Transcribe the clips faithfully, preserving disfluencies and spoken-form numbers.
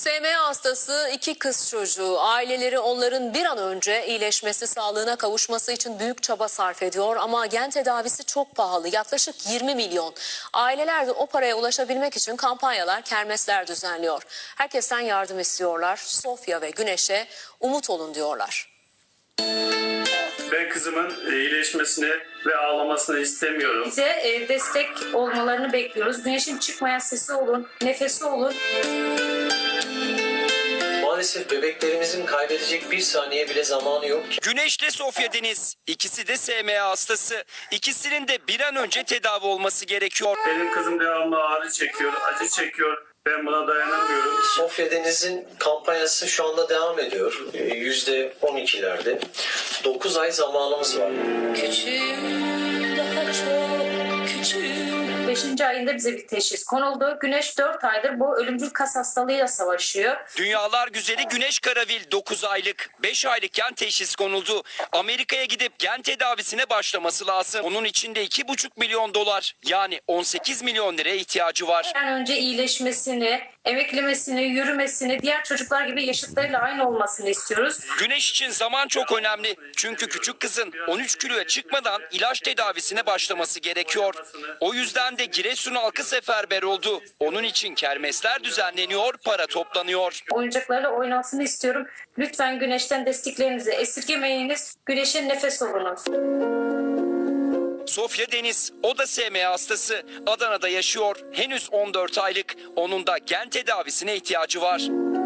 S M A hastası iki kız çocuğu, aileleri onların bir an önce iyileşmesi, sağlığına kavuşması için büyük çaba sarf ediyor. Ama gen tedavisi çok pahalı, yaklaşık yirmi milyon. Aileler de o paraya ulaşabilmek için kampanyalar, kermesler düzenliyor. Herkesten yardım istiyorlar. Sofya ve Güneş'e umut olun diyorlar. Ben kızımın iyileşmesini ve ağlamasını istemiyorum. Bize e, destek olmalarını bekliyoruz. Güneşin çıkmayan sesi olun, nefesi olun. Maalesef bebeklerimizin kaybedecek bir saniye bile zamanı yok ki. Güneş'le Sofya Deniz. İkisi de S M A hastası. İkisinin de bir an önce tedavi olması gerekiyor. Benim kızım devamlı ağrı çekiyor, acı çekiyor. Ben buna dayanamıyorum. Sofya Deniz'in kampanyası şu anda devam ediyor. yüzde on ikilerde. dokuz ay zamanımız var. Küçüğüm, daha çok küçüğüm. beşinci ayında bize bir teşhis konuldu. Güneş dört aydır bu ölümcül kas hastalığıyla savaşıyor. Dünyalar güzeli Güneş Karavil dokuz aylık. beş aylıkken teşhis konuldu. Amerika'ya gidip gen tedavisine başlaması lazım. Onun için de iki buçuk milyon dolar, yani on sekiz milyon liraya ihtiyacı var. Bir an önce iyileşmesini, emeklemesini, yürümesini, diğer çocuklar gibi yaşıtlarıyla aynı olmasını istiyoruz. Güneş için zaman çok önemli. Çünkü küçük kızın on üç kiloya çıkmadan ilaç tedavisine başlaması gerekiyor. O yüzden de Giresun halkı seferber oldu. Onun için kermesler düzenleniyor, para toplanıyor. Oyuncaklarla oynasını istiyorum. Lütfen Güneş'ten desteklerinizi esirgemeyiniz. Güneş'in nefes olunuz. Sofya Deniz, o da S M A hastası. Adana'da yaşıyor. Henüz on dört aylık. Onun da gen tedavisine ihtiyacı var.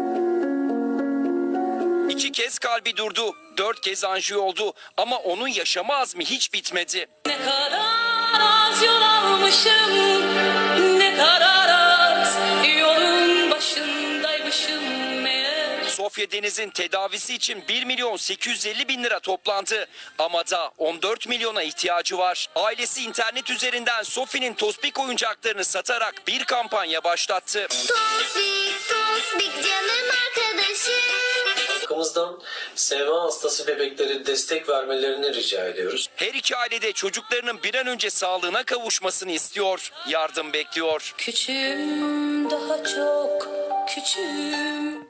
İki kez kalbi durdu. Dört kez anjiyo oldu. Ama onun yaşama azmi hiç bitmedi. Ne kadar az yol almışım, ne kadar az yolun başındaymışım meğer. Sofya Deniz'in tedavisi için bir milyon sekiz yüz elli bin lira toplandı. Ama da on dört milyona ihtiyacı var. Ailesi internet üzerinden Sofi'nin Tospik oyuncaklarını satarak bir kampanya başlattı. Tospik, Tospik canım arkadaşım. Halkımızdan S M A hastası bebeklere destek vermelerini rica ediyoruz. Her iki aile de çocuklarının bir an önce sağlığına kavuşmasını istiyor. Yardım bekliyor. Küçüğüm, daha çok küçüğüm.